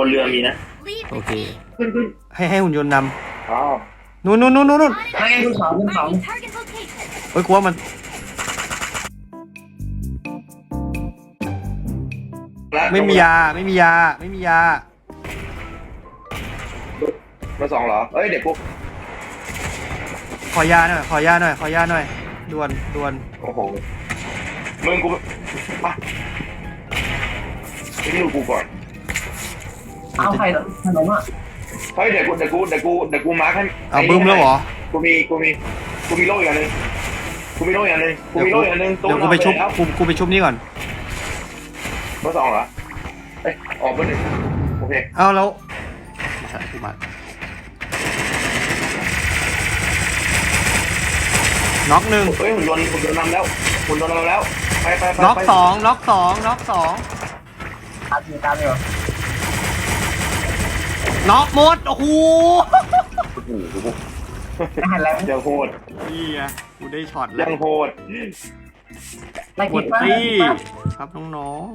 นเรือมีนะโอเคขึ้นให้หุ่นยนต์นอ๋อำนู่นนู่นนู่นนู่นไม่งั้นคุณสองคุณสองเฮ้ยกลัวมันไม่มียาไม่มียาไม่มียามาสองเหรอเอ้ยเด็กพวกขอยาหน่อยขอยาหน่อยขอยาหน่อยด่วนด่วนโอ้โหมึงกูมาไปดูกูก่อนเอาใครขนมอ่ะเฮ้ยเดี๋ยวกูมาร์คให้เอาบึ้มแล้วเหรอกูมีโล่อีกอันนึงกูมีโล่อีกอันนึงเดี๋ยวกูไปชุบกูไปชุบนี่ก่อนมาสองเหรอเอ้ยออกมาหนึ่งโอเคเอาแล้วมาน็อกหนึ่งเฮ้ยหุ่นยนต์นำแล้วไปน็อกสองน็อกสองน็อกสองตามอยู่น็อกหมดโอ้โหโอ้โหไม่หันแล้วยังโหดนี่ไงกูได้ช็อตแล้ยัวงโหดไล่กกิดนป้าตี้ครับน้อง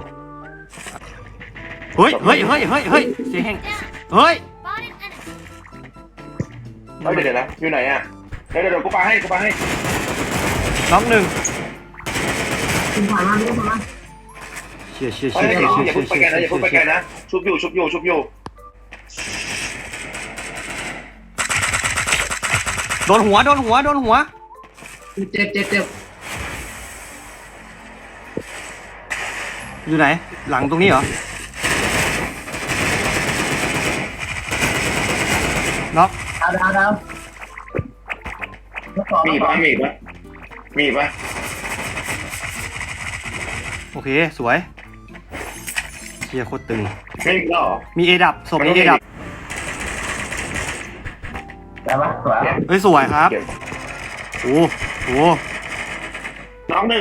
ๆเฮ้ยเสียงแห่งเฮ้ยเฮ้ยเดี๋ยวนะอยู่ไหนอ่ะเดี๋ยวกูปาให้น็อกหนึ่งคุณผ่านมาไม่ผ่านมาเชี่ยเฮ้ยอย่าพุ่งไปแกนะชุบอยู่โดนหัวเจ็บอยู่ไหนหลังตรงนี้เหรอน็อกดาวมีปะโอเคสวยเชี่ยโคตรตึงไม่มีแล้วเหรอมีเอดับศพนี้เอดับได้ปะสวยเฮ้ยสวยครับโอ้โหน้องหนึ่ง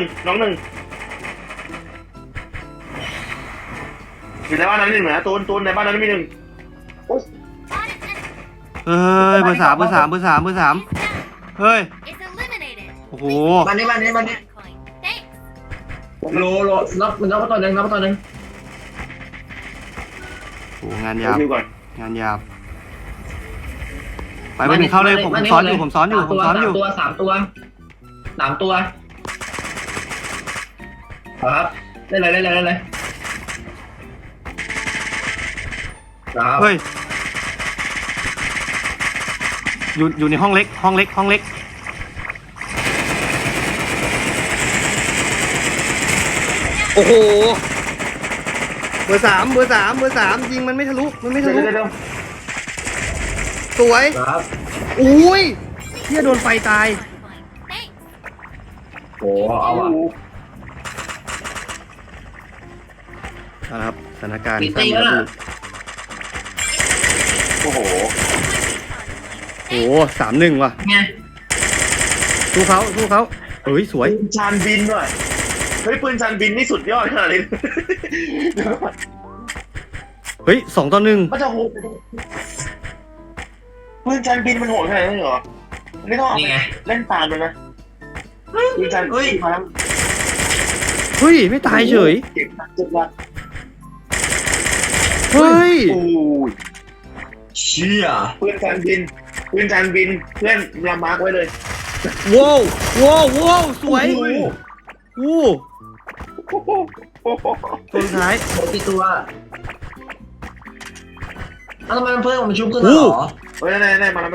อยู่ในบ้านนั้นหนึ่งนะตูนในบ้านนั้นมีหนึ่งเฮ้ยเบอร์สามเฮ้ยโอ้โหมานี่โลน็อกตัวหนึ่งโอ้งานยาบดูก่อนงานยาบไปหนึ่งเข้าเลยผมซ้อนอยู่สามตัวครับเล่นเลยเฮ้ยอยู่ในห้องเล็กโอ้โหเบอร์สามยิงมันไม่ทะลุสวยครับอุ้ยเหี้ยโดนไฟตายโอ้เอาอ่ะนะครับสถานการณ์มีตีแล้วโอ้โหโอ้3-1ว่ะไงสู้เขาเอ้ยสวยปืนชานบินด้วยเฮ้ยปืนชานบินนี่สุดยอดขนาดนี้เฮ้ย2-1 มันจะโหดปืนชานบินมันโหดขนาดนี้เหรอนี่ต้องเล่นตามเลยนะปืนชานมาแล้วเฮ้ยไม่ตายเฉยเก็บวัดเฮ้ยโอ้ยเชี่ยปืนชานบินเพื่อนเรามาร์กไว้เลยว้าวสวยอู้โอ้โหตัวสุดท้ายโหตีตัวทำไมเพื่อนมันชุบขึ้นเหรอเฮ้ยได้มาแล้ว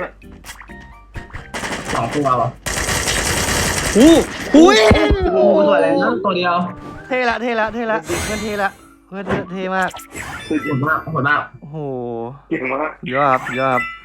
2 ตัววะหูยโอ้ตัวอะไรนะตัวเดียวเท่ละเพื่อนเท่ละเพื่อนเท่มากคือโหดมากโอ้โหเก่งมากยอด